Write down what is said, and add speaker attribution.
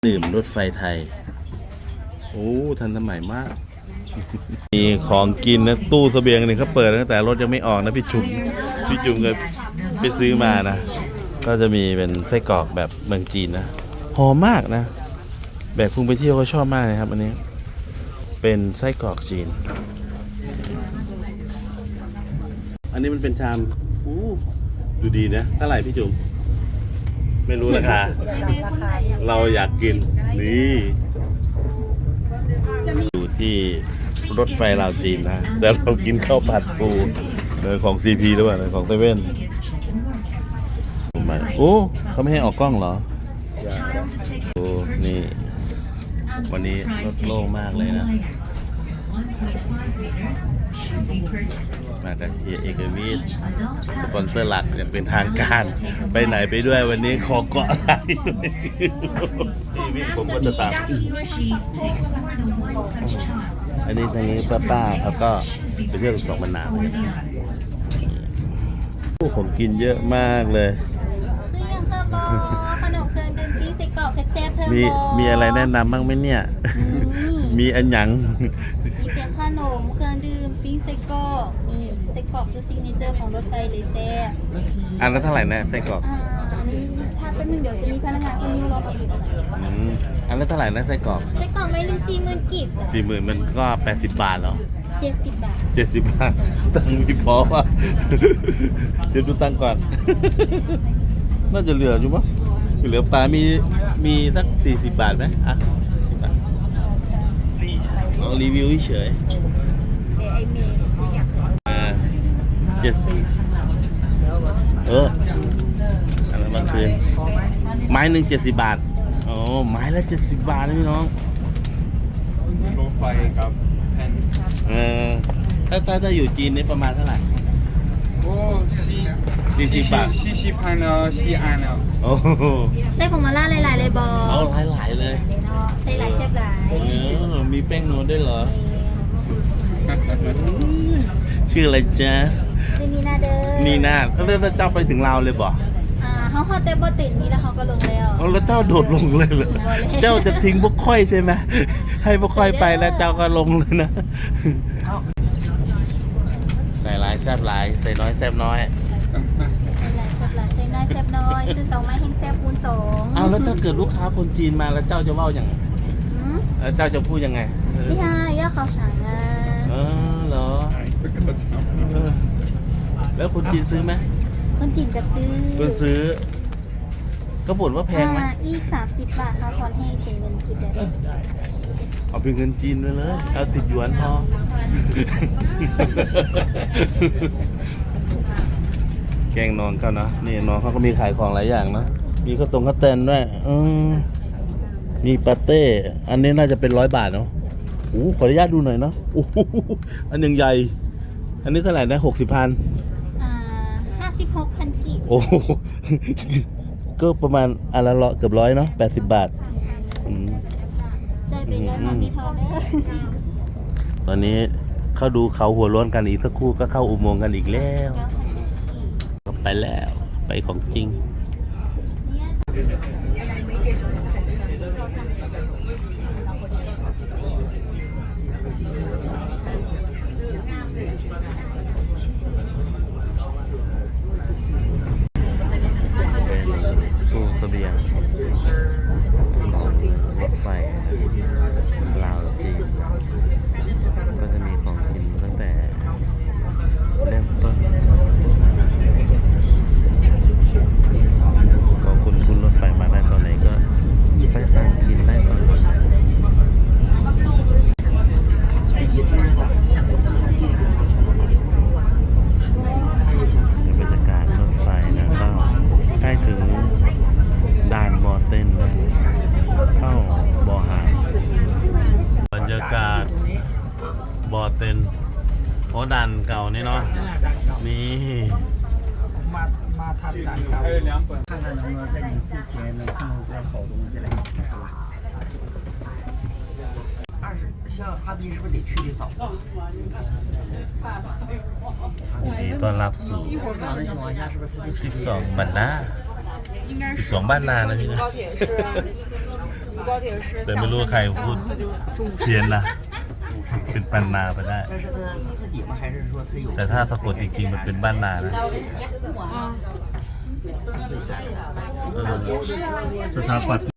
Speaker 1: ดื่มรถไฟไทยโอ้ทันสมัยมาก มีของกินนะตู้เสบียงนี่เขาเปิดตั้งแต่รถยังไม่ออกนะพี่จุ๋มก็ไปซื้อมานะก็จะมีเป็นไส้กรอกแบบเมืองจีนนะหอมมากนะแบบพุ่งไปเที่ยวก็ชอบมากเลยครับอันนี้เป็นไส้กรอกจีนอันนี้มันเป็นชามดูดีนะเท่าไหร่พี่จุ๋มไม่รู้ราคาเราอยากกินนี่อยู่ที่รถไฟลาวจีนนะแต่เรากินข้าวผัดปูของ CP หรือเปล่าของเซเว่นโอ้เขาไม่ให้ออกกล้องเหรอโอ้นี่วันนี้รถโล่งมากเลยนะมาจากเอกวิทย์สปอนเซอร์หลักอย่างเป็นทางการไปไหนไปด้วยวันนี้ขอเกาะอะไรวิทย์ผมก็จะตามอันนี้ทางนี้ป้าเขาก็ไปเที่ยวสองบรรณาของกินเยอะมากเลย
Speaker 2: ซื้ออย่างเพิ่มบอขนมเครื่องดื่มปิ้งไส้กรอกแซ่บๆเพิ่มบอ
Speaker 1: มีอะไรแนะนำบ้างไหมเนี่ยมีอันหยัง
Speaker 2: มีเป็นขนมเครื่องดื่มปิ้งไส้กรอกนี่ไส้กรอกคือซิกเนเจอร์ของรถไฟเลยแซ่บ
Speaker 1: อันละเท่าไหร่นะไส้กรอก
Speaker 2: อันนี้ถ้าเป็นหนึ่งเดี๋ยวจะมีพนักงานคนนี้รอประกอบ
Speaker 1: อันละเท่าไหร่นะไส้กรอก
Speaker 2: ไส้กรอกไม่รู้40,000 กิบ
Speaker 1: 40,000มันก็80 บาทเหรอ
Speaker 2: 70 บาท
Speaker 1: 70 บาทตังค์มีพอป่ะเดี๋ยวดูตังค์ก่อนน่าจะเหลืออยู่มั้งเหลือปลามีสัก40 บาทไหมอ่ะนี่ลองรีวิวเฉย70อันนั้นบางคืนไม้หนึ่ง70 บาทโอ้ไม้ละ70 บาทนะพี่น้อง
Speaker 3: รถไฟกับแผ่น
Speaker 1: ถ้าอยู่จีนนี่ประมาณเท่าไหร่
Speaker 3: โอ้
Speaker 1: 40 บาท
Speaker 3: 40,000แล้ว4 อันแล้ว
Speaker 1: โอ้
Speaker 2: ไส้ผงมาล่าหลายๆเลยบอ
Speaker 1: เอาหลายเลย
Speaker 2: ไส้หลายแซ่บหลาย
Speaker 1: มีแป้งนวลด้วยเหรอชื่ออะไรจ๊ะ
Speaker 2: ชื่อนีน่าเด้อ
Speaker 1: นีน่าแล้วเจ้าไปถึงลาวเลยบ่
Speaker 2: เขาฮอตเตบติดนี้แล้วเขาก็ลงแล้ว
Speaker 1: เจ้าโดดลงเลยเหรอเจ้าจะทิ้งพวกค่อยใช่ไหมให้พวกค่อยไปแล้วเจ้าก็ลงเลยนะใส่หลายแซ่บหลายใส่น้อยแซ่บน้อย
Speaker 2: ใส่น้อยแซ่บน้อยซื้อ2 ไม้แห้งแซ่บคูณ 2
Speaker 1: เอาแล้วถ้าเกิดลูกค้าคนจีนมาแล้วเจ้าจะว่าอย่างแล้วเจ้าจะพูดยังไง
Speaker 2: พี่ฮายาเขาสั่งนะ
Speaker 1: เหรอแล้วคนจีนซื้อไหม
Speaker 2: คนจีนจะซื้อ
Speaker 1: ก็บ่นว่าแพงไหม
Speaker 2: อี30 บาทเขาทอนให้เป็นเงินกีบได้
Speaker 1: เอาเป็นเงินจีนไปเลยเอา10 หยวนพอแกงนอนเขานะนี่น้องเขาก็มีขายของหลายอย่างนะมีข้าวแตนด้วยมีปาเต้อันนี้น่าจะเป็น100 บาทเนาะขออนุญาตดูหน่อยเนาะอันยังใหญ่อันนี้เท่าไหร่นะ60,000
Speaker 2: 56,000 กิบ
Speaker 1: ก็ประมาณอันละเกือบ100เนาะ80 บาท
Speaker 2: ใจเป็นร้อยมามีทองเลย
Speaker 1: ตอนนี้เข้าดูเขาหัวร้อนกันอีกสักครู่ก็เข้าอุโมงค์กันอีกแล้วไปแล้วไปของจริงตู้เสบียงรถไฟลาวจีนก็จะมีของกินตั้งแต่เริ่มต้นก็คุณรถไฟมาได้ตอนไหนก็ไปสั่งกินได้ตอนนั้นบรรยากาศรถไฟนะก็ใกล้ถึงด่านบอเต้นแล้วเข้าบอหาบรรยากาศบอเต้นด่านเก่านี่เนาะนี่
Speaker 3: มาทับด่านเก่า看看能不能在你之前能看出来好东西来像哈尔滨是不是得去的早
Speaker 1: ดีต้อนรับสู่12 บรรณา12 บ้านนานะพี่นะแต่ไม่รู้ว่าใครพูดเพี้ยนนะ เป็นปันนาไปได้
Speaker 3: 但是他自己吗？还是说他有？
Speaker 1: แต่ถ้าสะกดจริงๆมันเป็นบ้านนานะสถาปัตย์